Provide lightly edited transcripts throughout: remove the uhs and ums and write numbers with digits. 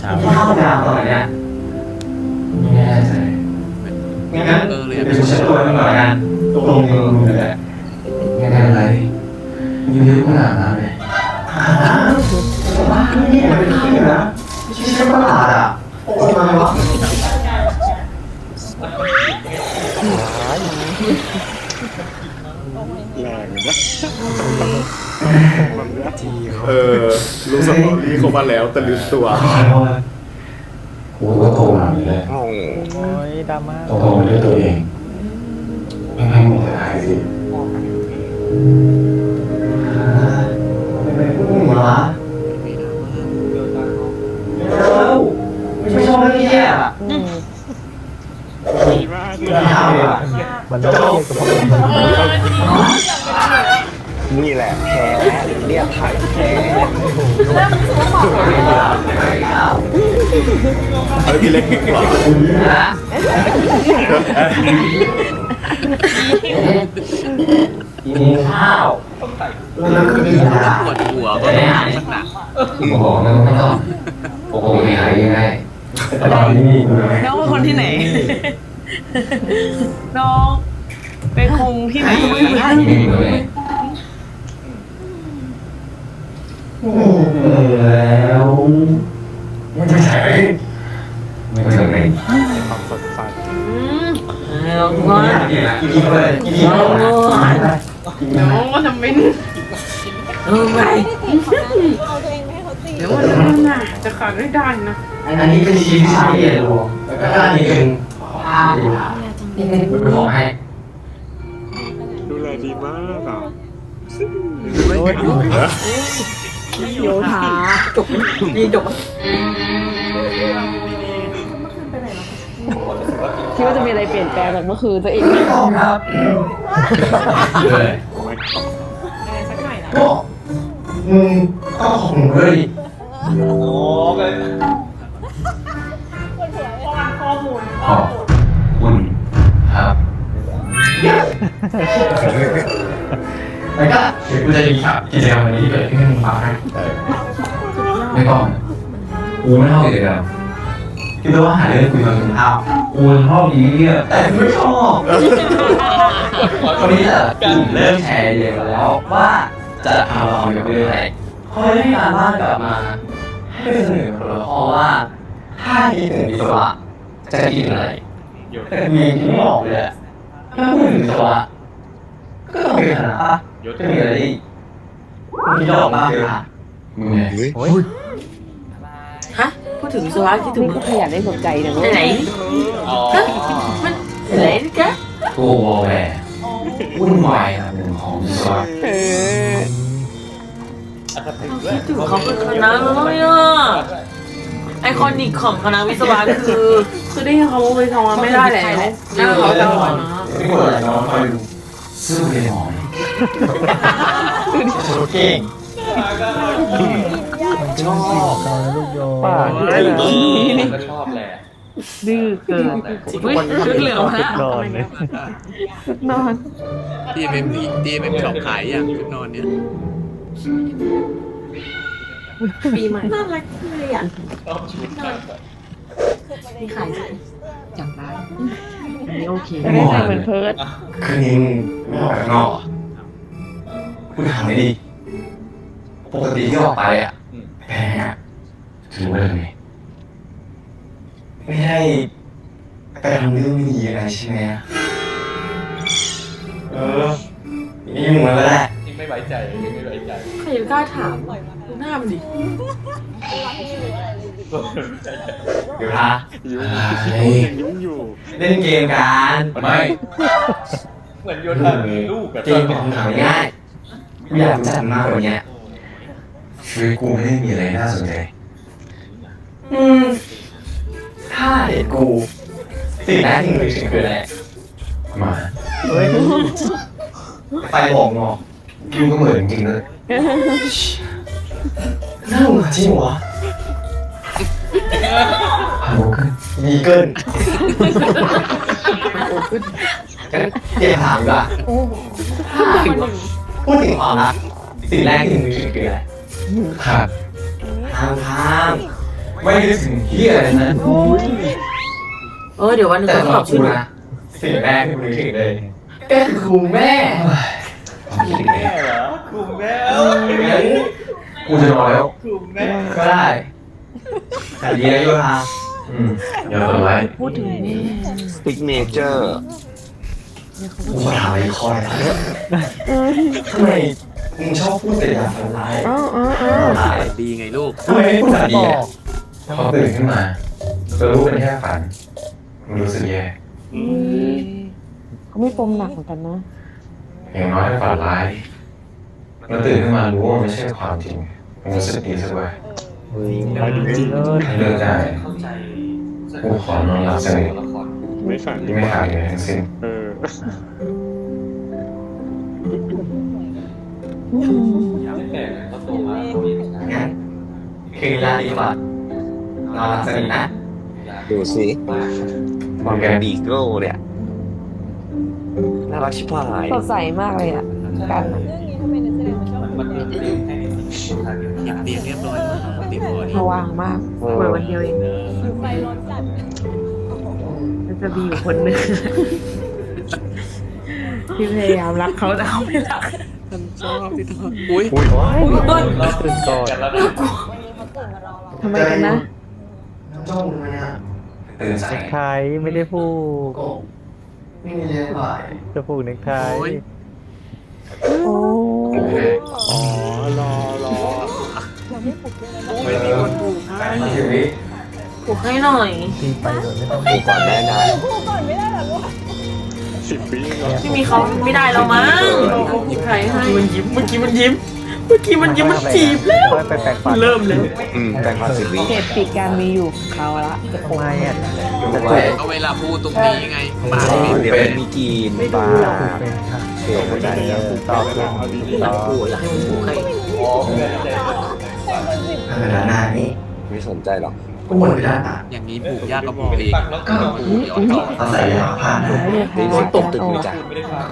เข้าดาวตอนเนี้ยไม่แน่ใจงั้นเดี๋ยวกูเช็ดตัวให้มันก่อนกันตรงนี้เลยแหละไม่ได้อะไรยืดขนาดนั้นเลยบ้าเนี่ยเป็นที่นะไม่ใช่ประหลาดอ่ะโอ้ยมาวะแรงนะรู้สตอรี่เขามาแล้วแต่ลืมตัวกูก็โตมาเลยโอ้ยดราม่าโตมาด้วยตัวเองไม่ให้มึงจะหายสิไม่เป็นผู้หญิงวะไม่ชอบเรื่องแย่อะดีมากเลยมันต้องเทียบกับพวกมันนี่แหละแพ้เรียกไข่แพ้เอาพี่เล็กกว่ากินข้าวแล้วก็กินยาปวดหัวก็ต้องทำสักหนักคุณบอกนะไม่ต้องโอ้โหไม่หายยังไงแต่ตอนนี้น้องเป็นคนที่ไหน น้องเป็นคงที่ไหนนี่เลยแล้วไม่ใช่ไม่ถึงไหนความสดใสน้องว่ากินเลยกินเลยน้องว่าทำเป็นไปเดี๋ยวมันน่ะจะขาดไม่ได้นะอันนี้เป็นชิ้นที่ละเอียดรวมแล้วก็อันนี้เป็นผ้าดีผ้านี่เป็นของให้ดูแลดีมากอ่ะโยธาจบดีจบคิดว่าจะมีอะไรเปลี่ยนแปลงจากเมื่อคืนตัวเองไม่ต้องครับเลยสักหน่อยนะก็ก็ของเลยโอ้ก็ข้อมูลขอบคุณครับแล้วก็เดี๋ยวกูจะรีแคปกิจกรรมวันนี้ที่เกิดขึ้นให้มึงฟังนะไม่ต้องกูไม่ชอบกิจกรรมคิดว่าหาเรื่องคุยมาเป็นข้าวกูชอบดีเนี่ยแต่ไม่ชอบตอนนี้จะเริ่มแชร์ไอเดียกันแล้วว่าจะเอาเกี่ยวกับเรื่องอะไรเขาได้งานบ้านกลับมาให้ไปเสนอคนละข้อว่าถ้าคิดถึงวิศวะจะคิดถึงอะไรแต่มีที่ไม่ออกเลยอะถ้าพูดถึงวิศวะก็ต้องเป็นคณะปะจะมีอะไรอีกมีดอกมากเลยค่ะมึงไงฮะพูดถึงวิศวะที่ถึงขยันได้สนใจนะไหนมันไหนจ๊ะโก้วอลแวร์วุ่นวายนะเป็นของวิศวะคิดถึงเขาเป็นคณะเลยอ่ะไอคอนิกของคณะวิศวะคือได้เขาไปทำมาไม่ได้แล้วน่าเขาจะหวานนะไม่กดอะไรน้องคอยดูสู้เลยหมอนโชว์เก่งชอบตอนลูกโยป่าก็ชอบแหละดื้อเกินชุดเหลืองฮะนอนเลยนอนที่เอ็มช็อปขายอย่างชุดนอนเนี่ยปีใหม่น่ารักเลยอ่ะมีขายจังได้อันนี้โอเคไม่ได้ใส่เหมือนเพิร์ดคืนนี้มึงไม่ออกไปข้างนอกกูถามหน่อยดิปกติที่ออกไปอ่ะแพ้อะถือว่าเรื่องไงไม่ได้ไปทำเรื่องไม่ดีอะไรใช่ไหมนี่มึงมาแล้วแหละใครจะกล้าถามดูหน้ามันดิเดี๋ยวนะยังยุ่งอยู่เล่นเกมกันไม่เหมือนโยนลูกเกมเป็นคำถามง่ายกูอยากรู้จักมากกว่านี้ชีวิตกูไม่ได้มีอะไรน่าสนใจถ้าเห็นกูสิ่งแรกที่มึงนึกถึงคืออะไรมาไปบอกงอคิวก็เหมือนจริงเลยน่าหงุดหงิดจริงวะฮัลโหลมีเกินเดี๋ยวถามดีกว่าพูดถึงความรักสิ่งแรกที่มึงนึกถึงคืออะไรครับทางไม่นึกถึงเฮียอะไรนะเดี๋ยววันหนึงแต่เขาสำหตรัอบบ กูชื่อหนูนะสิ่งแรกที่กูนึกถึงเลยก็คือครูแม่คิดแม่เหรอครูแม่กูจะนอนแล้วครูแม่ก็ได้แต่ดีนะโยธาอย่าเปิดไว้พูดถึงแม่ซิกเนเจอร์กูมาถามไอ้คอยทำไมมึงชอบพูดแต่อย่างฝันร้ายร้ายดีไงลูกทำไมไม่พูดแต่ดีอ่ะพอตื่นขึ้นมาจะรู้เป็นแค่ฝันมึงรู้สึกแย่เขาไม่ปมหนักเหมือนกันนะอย่างน้อยถ้าฝันร้ายแล้วตื่นขึ้นมารู้ว่ามันไม่ใช่ความจริงมึงรู้สึกดีสักวันเฮ้ยมาดีเลยถ้าเลือกได้กูขอนอนหลับสนิทไม่ฝันที่ไม่ขาดเลยทั้งสิ้นเอองั้นคืนลาดีกว่านอนหลับสนิทนะดูสิมองแกบีโก้เนี่ยน่ารักชิบหายสดใสมากเลยอ่ะ กันอะหยิบเตียงเรียบร้อยแล้วเตียงพอดีสว่างมากเหมือนวันเดียวเองมันจะมีอยู่คนหนึงที่พยายามรักเขาแต่เขาไม่รักฉันชอบที่ทอดอุ้ยต้นตื่นก่อนทำไมกันนะจ้องมันเนี่ยตื่นสายไทยไม่ได้ผูกไม่มีเรื่องอะไรจะผูกเน็กไทโอ้อ๋อ รอไม่มีคนผูกให้ชีวิตปลุกให้หน่อยตีไปโดยไม่ต้องดูก่อนแม่นะ10 ปีเหรอไม่มีเขาไม่ได้แล้วมั้งใครให้มันยิ้มเมื่อกี้มันยิ้มมันจีบแล้วไปแปลงฟันเริ่มเลยแต่งมา10 ปีเหตุปิดการมีอยู่ของเขาละจะโกทำไมอ่ะจะไว้เอาเวลาพูดตรงนี้ไงปากไม่เดี๋ยวเป็นมีกินปลาผูกเป็นค่ะเกี่ยวกับใจต่อเป็นต่ออยากให้มันปลุกใครเวลาหน้านี้ไม่สนใจหรอกก็วนไปด้านหน้าอย่างนี้ผูกยากก็บอกเองผูกย้อนต่ออาศัยยาผ่านนะเนี่ยตีค่ะสิตกตึกเลยจ้ะ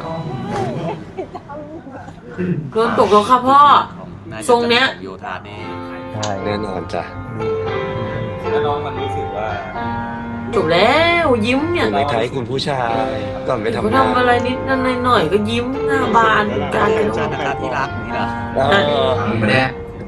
โดนตกแล้วค่ะพ่อ ทรงเนี้ยโยธานี่ใช่แน่นอนจ้ะจบแล้วยิ้มเนี่ยคุณไม่ไทยคุณผู้ชาย ก่อนไปก็ทำงานทำอะไรนิดหน่อยก็ยิ้มหน้าบานการกันจานนะคะที่รักนี่เหรอไม่ได้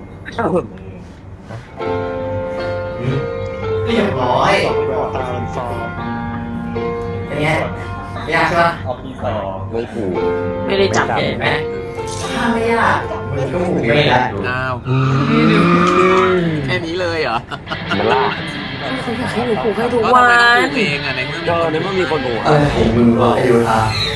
เรียบร้อยตามันฟอเป็นไงยากใช่ปะไม่ผูกไม่ได้จับเลยเห็นไหมถ้าไม่ยากมันก็ผูกไม่ได้อ้าวแค่นี้เลยเหรอมันล่าเขาอยากให้หนูปลูกให้ทุกก็วัทำไมต้องนผูกเองอ่ะในเมื่อก็ในเมื่อมีคนผูกเออเห็นมึงว่าไอ้โยธา